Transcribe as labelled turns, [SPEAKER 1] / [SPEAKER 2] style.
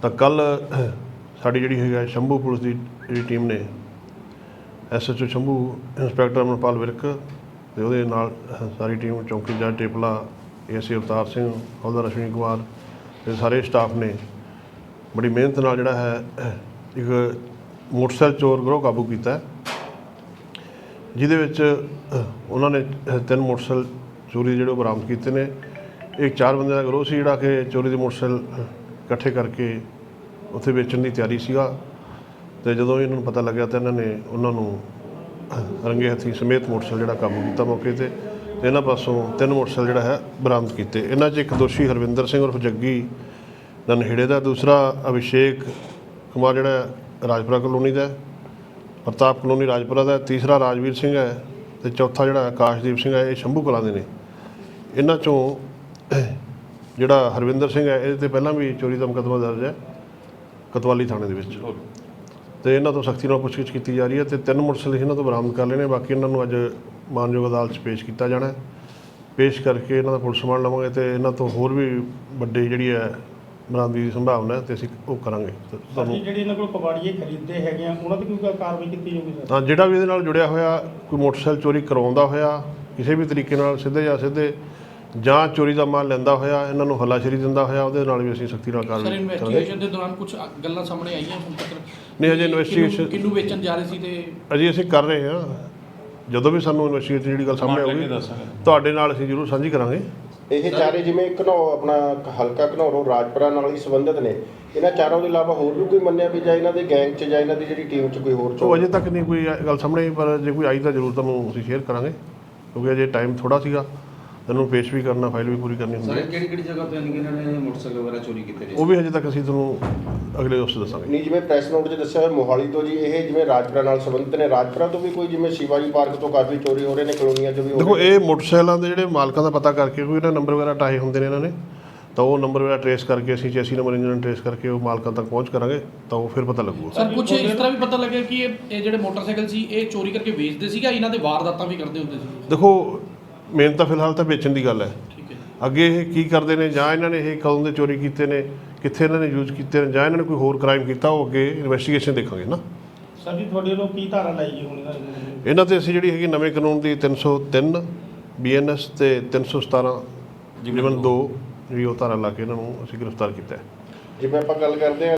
[SPEAKER 1] ਤਾਂ ਕੱਲ ਸਾਡੀ ਜਿਹੜੀ ਹੈਗਾ ਸ਼ੰਭੂ ਪੁਲਿਸ ਦੀ ਜਿਹੜੀ ਟੀਮ ਨੇ SHO ਸ਼ੰਭੂ ਇੰਸਪੈਕਟਰ ਅਮਰਪਾਲ ਵਿਰਕ ਤੇ ਉਹਦੇ ਨਾਲ ਸਾਰੀ ਟੀਮ ਚੌਂਕੀ ਜੱਜ ਟੇਪਲਾ ASI ਅਵਤਾਰ ਸਿੰਘ ਹੌਲਦਾਰ ਅਸ਼ਵਨੀ ਕੁਮਾਰ ਤੇ ਸਾਰੇ ਸਟਾਫ ਨੇ ਬੜੀ ਮਿਹਨਤ ਨਾਲ ਜਿਹੜਾ ਹੈ ਇੱਕ ਮੋਟਰਸਾਈਕਲ ਚੋਰ ਗਰੋਹ ਕਾਬੂ ਕੀਤਾ, ਜਿਹਦੇ ਵਿੱਚ ਉਹਨਾਂ ਨੇ 3 ਮੋਟਰਸਾਈਕਲ ਚੋਰੀ ਦੇ ਜਿਹੜੇ ਬਰਾਮਦ ਕੀਤੇ ਨੇ। ਇੱਕ 4 ਬੰਦਿਆਂ ਦਾ ਗਰੋਹ ਸੀ ਜਿਹੜਾ ਕਿ ਚੋਰੀ ਦੇ ਮੋਟਰਸਾਈਕਲ ਇਕੱਠੇ ਕਰਕੇ ਉੱਥੇ ਵੇਚਣ ਦੀ ਤਿਆਰੀ ਸੀਗਾ, ਤੇ ਜਦੋਂ ਇਹਨਾਂ ਨੂੰ ਪਤਾ ਲੱਗਿਆ ਤਾਂ ਇਹਨਾਂ ਨੇ ਉਹਨਾਂ ਨੂੰ ਰੰਗੇ ਹੱਥੀਂ ਸਮੇਤ ਮੋਟਰਸਾਈਕਲ ਜਿਹੜਾ ਕਾਬੂ ਕੀਤਾ ਮੌਕੇ ਤੇ ਇਹਨਾਂ ਪਾਸੋਂ 3 ਮੋਟਰਸਾਈਕਲ ਜਿਹੜਾ ਹੈ ਬਰਾਮਦ ਕੀਤੇ। ਇਹਨਾਂ 'ਚ ਇੱਕ ਦੋਸ਼ੀ ਹਰਵਿੰਦਰ ਸਿੰਘ ਉਰਫ ਜੱਗੀ ਨਨਹੇੜੇ ਦਾ, ਦੂਸਰਾ ਅਭਿਸ਼ੇਕ ਕੁਮਾਰ ਜਿਹੜਾ ਰਾਜਪੁਰਾ ਕਲੋਨੀ ਦਾ, ਪ੍ਰਤਾਪ ਕਲੋਨੀ ਰਾਜਪੁਰਾ ਦਾ, ਤੀਸਰਾ ਰਾਜਵੀਰ ਸਿੰਘ ਹੈ ਤੇ ਚੌਥਾ ਜਿਹੜਾ ਆਕਾਸ਼ਦੀਪ ਸਿੰਘ ਹੈ ਇਹ ਸ਼ੰਭੂ ਕਲਾਂ ਦੇ ਨੇ। ਇਹਨਾਂ 'ਚੋਂ ਜਿਹੜਾ ਹਰਵਿੰਦਰ ਸਿੰਘ ਹੈ ਇਹਦੇ 'ਤੇ ਪਹਿਲਾਂ ਵੀ ਚੋਰੀ ਦਾ ਮੁਕੱਦਮਾ ਦਰਜ ਹੈ ਕੋਤਵਾਲੀ ਥਾਣੇ ਦੇ ਵਿੱਚ, ਤੇ ਇਹਨਾਂ ਤੋਂ ਸਖਤੀ ਨਾਲ ਪੁੱਛਗਿੱਛ ਕੀਤੀ ਜਾ ਰਹੀ ਹੈ ਤੇ 3 ਮੋਟਰਸਾਈਕਲ ਇਹਨਾਂ ਤੋਂ ਬਰਾਮਦ ਕਰ ਲਏ ਨੇ। ਬਾਕੀ ਇਹਨਾਂ ਨੂੰ ਅੱਜ ਮਾਨਯੋਗ ਅਦਾਲਤ 'ਚ ਪੇਸ਼ ਕੀਤਾ ਜਾਣਾ, ਪੇਸ਼ ਕਰਕੇ ਇਹਨਾਂ ਦਾ ਪੁਲਿਸ ਰਿਮਾਂਡ ਲਵਾਂਗੇ ਤੇ ਇਹਨਾਂ ਤੋਂ ਹੋਰ ਵੀ ਵੱਡੀ ਜਿਹੜੀ ਹੈ ਬਰਾਮਦਗੀ ਦੀ ਸੰਭਾਵਨਾ ਤੇ ਅਸੀਂ ਉਹ ਕਰਾਂਗੇ।
[SPEAKER 2] ਤੁਹਾਨੂੰ ਜਿਹੜੀ ਇਹਨਾਂ ਕੋਲ ਕਬਾੜੀਏ ਖਰੀਦਦੇ ਹੈਗੇ ਆ ਉਹਨਾਂ ਤੇ ਕੋਈ ਕਾਰਵਾਈ ਕੀਤੀ ਜਾਊਗੀ ਸਰ?
[SPEAKER 1] ਹਾਂ, ਜਿਹੜਾ ਵੀ ਇਹਦੇ ਨਾਲ ਜੁੜਿਆ ਹੋਇਆ ਕੋਈ ਮੋਟਰਸਾਈਕਲ ਚੋਰੀ ਕਰਵਾਉਂਦਾ ਹੋਇਆ ਕਿਸੇ ਵੀ ਤਰੀਕੇ ਨਾਲ ਸਿੱਧੇ ਜਾਂ ਸਿੱਧੇ ਜਾਂ ਚੋਰੀ ਦਾ ਮਾਲ ਲੈਂਦਾ ਹੋਇਆ ਇਹਨਾਂ ਨੂੰ ਹੱਲਾਸ਼ੇਰੀ ਦਿੰਦਾ ਹੋਇਆ ਉਹਦੇ ਨਾਲ ਵੀ ਅਸੀਂ ਸਖਤੀ ਨਾਲ ਕਾਰਵਾਈ ਕਰਾਂਗੇ।
[SPEAKER 3] ਇਨਵੈਸਟੀਗੇਸ਼ਨ ਦੇ ਦੌਰਾਨ ਕੁਝ ਗੱਲਾਂ ਸਾਹਮਣੇ ਆਈਆਂ ਹੁਣ ਤੱਕ?
[SPEAKER 1] ਨਹੀਂ, ਅਜੇ ਇਨਵੈਸਟੀਗੇਸ਼ਨ
[SPEAKER 3] ਕਿਹਨੂੰ ਵੇਚਣ ਜਾ ਰਹੇ ਸੀ ਤੇ
[SPEAKER 1] ਅਜੇ ਅਸੀਂ ਕਰ ਰਹੇ ਹਾਂ। ਜਦੋਂ ਵੀ ਸਾਨੂੰ ਇਨਵੈਸਟੀਗੇਸ਼ਨ ਜਿਹੜੀ ਗੱਲ ਸਾਹਮਣੇ ਆਊਗੀ ਤੁਹਾਡੇ ਨਾਲ ਅਸੀਂ ਜ਼ਰੂਰ ਸਾਂਝੀ ਕਰਾਂਗੇ।
[SPEAKER 4] ਇਹ ਚਾਰੇ ਜਿਵੇਂ ਆਪਣਾ ਹਲਕਾ ਘਨੌਰੋਂ ਰਾਜਪੁਰਾ ਨਾਲ ਹੀ ਸੰਬੰਧਿਤ ਨੇ, ਇਹਨਾਂ ਚਾਰਾਂ ਦੇ ਇਲਾਵਾ ਹੋਰ ਵੀ ਕੋਈ ਮੰਨਿਆ ਵੀ ਜਾਂ ਇਹਨਾਂ ਦੇ ਗੈਂਗ 'ਚ ਜਾਂ ਇਹਨਾਂ ਦੀ ਜਿਹੜੀ ਟੀਮ 'ਚ ਕੋਈ ਹੋਰ
[SPEAKER 1] ਉਹ ਅਜੇ ਤੱਕ ਨਹੀਂ ਕੋਈ ਗੱਲ ਸਾਹਮਣੇ ਆਈ, ਪਰ ਜੇ ਕੋਈ ਆਈ ਤਾਂ ਜ਼ਰੂਰ ਤੁਹਾਨੂੰ ਅਸੀਂ ਸ਼ੇਅਰ ਕਰਾਂਗੇ, ਕਿਉਂਕਿ ਅਜੇ ਟਾਈਮ ਥੋੜ੍ਹਾ ਸੀਗਾ, ਇਹਨੂੰ ਪੇਸ਼ ਵੀ ਕਰਨਾ, ਫਾਈਲ ਵੀ ਪੂਰੀ ਕਰਨੀ ਹੁੰਦੀ ਹੈ।
[SPEAKER 5] ਕਿਹੜੀ ਜਗ੍ਹਾ ਤੋਂ ਇਹਨਾਂ ਨੇ ਮੋਟਰਸਾਈਕਲ ਵਗੈਰਾ ਚੋਰੀ ਕੀਤੇ ਨੇ?
[SPEAKER 1] ਉਹ ਵੀ ਹਜੇ ਤੱਕ ਅਸੀਂ ਤੁਹਾਨੂੰ ਅਗਲੇ ਉਸ 'ਚ ਦੱਸਾਂਗੇ।
[SPEAKER 4] ਨਹੀਂ, ਜਿਵੇਂ ਪ੍ਰੈਸ ਨੋਟ 'ਚ ਦੱਸਿਆ ਹੋਇਆ ਮੋਹਾਲੀ ਤੋਂ ਜੀ ਇਹ ਜਿਵੇਂ ਰਾਜਪੁਰਾ ਨਾਲ ਸੰਬੰਧਿਤ ਨੇ, ਰਾਜਪੁਰਾ ਤੋਂ ਵੀ ਕੋਈ ਜਿਵੇਂ ਸ਼ਿਵਾਜੀ ਪਾਰਕ ਤੋਂ ਕਾਫੀ ਚੋਰੀ ਹੋ ਰਹੇ ਨੇ, ਕਲੋਨੀਆਂ 'ਚ ਵੀ ਹੋ ਰਹੇ।
[SPEAKER 1] ਦੇਖੋ, ਇਹ ਮੋਟਰਸਾਈਕਲਾਂ ਦੇ ਜਿਹੜੇ ਮਾਲਕਾਂ ਦਾ ਪਤਾ ਕਰਕੇ ਕੋਈ ਇਹਨਾਂ ਨੰਬਰ ਵਗੈਰਾ ਟਾਏ ਹੁੰਦੇ ਨੇ ਇਹਨਾਂ ਨੇ, ਤਾਂ ਉਹ ਨੰਬਰ ਵਗੈਰਾ ਟਰੇਸ ਕਰਕੇ ਅਸੀਂ ਚੈਸੀ ਨੰਬਰ ਇੰਜਨ ਟਰੇਸ ਕਰਕੇ ਉਹ ਮਾਲਕਾਂ ਤੱਕ ਪਹੁੰਚ ਕਰਾਂਗੇ, ਤਾਂ ਉਹ ਫਿਰ ਪਤਾ ਲੱਗੂਗਾ।
[SPEAKER 3] ਸਰ ਕੁਝ ਇਸ ਤਰ੍ਹਾਂ ਵੀ ਪਤਾ ਲੱਗਿਆ ਕਿ ਇਹ ਜਿਹੜੇ ਮੋਟਰਸਾਈਕਲ ਸੀ ਇਹ ਚੋਰੀ ਕਰਕੇ ਵੇਚਦੇ ਸੀਗਾ, ਇਹਨਾਂ ਦੇ ਵਾਰਦਾਤਾਂ ਵੀ ਕਰਦੇ ਹੁੰਦੇ ਸੀ?
[SPEAKER 1] ਦੇਖੋ, ਮੇਨ ਤਾਂ ਫਿਲਹਾਲ ਤਾਂ ਵੇਚਣ ਦੀ ਗੱਲ ਹੈ।
[SPEAKER 3] ਠੀਕ ਹੈ।
[SPEAKER 1] ਅੱਗੇ ਇਹ ਕੀ ਕਰਦੇ ਨੇ ਜਾਂ ਇਹਨਾਂ ਨੇ ਇਹ ਕਦੋਂ ਦੇ ਚੋਰੀ ਕੀਤੇ ਨੇ, ਕਿੱਥੇ ਇਹਨਾਂ ਨੇ ਯੂਜ਼ ਕੀਤੇ ਨੇ, ਜਾਂ ਇਹਨਾਂ ਨੇ ਕੋਈ ਹੋਰ ਕ੍ਰਾਈਮ ਕੀਤਾ, ਉਹ ਅੱਗੇ ਇਨਵੈਸਟੀਗੇਸ਼ਨ ਦੇਖਾਂਗੇ ਨਾ।
[SPEAKER 2] ਸਰ ਜੀ ਤੁਹਾਡੇ ਵੱਲੋਂ ਕੀ ਧਾਰਾ ਲਾਈ ਗਈ ਹੁਣ
[SPEAKER 1] ਇਹਨਾਂ ਤੇ ਅਸੀਂ ਜਿਹੜੀ ਹੈਗੀ ਨਵੇਂ ਕਾਨੂੰਨ ਦੀ 303 BNS ਤੇ 317 ਜਿਮਨ 2 ਜਿਹੜੀ ਉਹ ਧਾਰਾ ਲਾ ਕੇ ਇਹਨਾਂ ਨੂੰ ਅਸੀਂ ਗ੍ਰਿਫਤਾਰ ਕੀਤਾ ਹੈ।
[SPEAKER 4] ਜਿਵੇਂ ਆਪਾਂ ਗੱਲ ਕਰਦੇ ਹਾਂ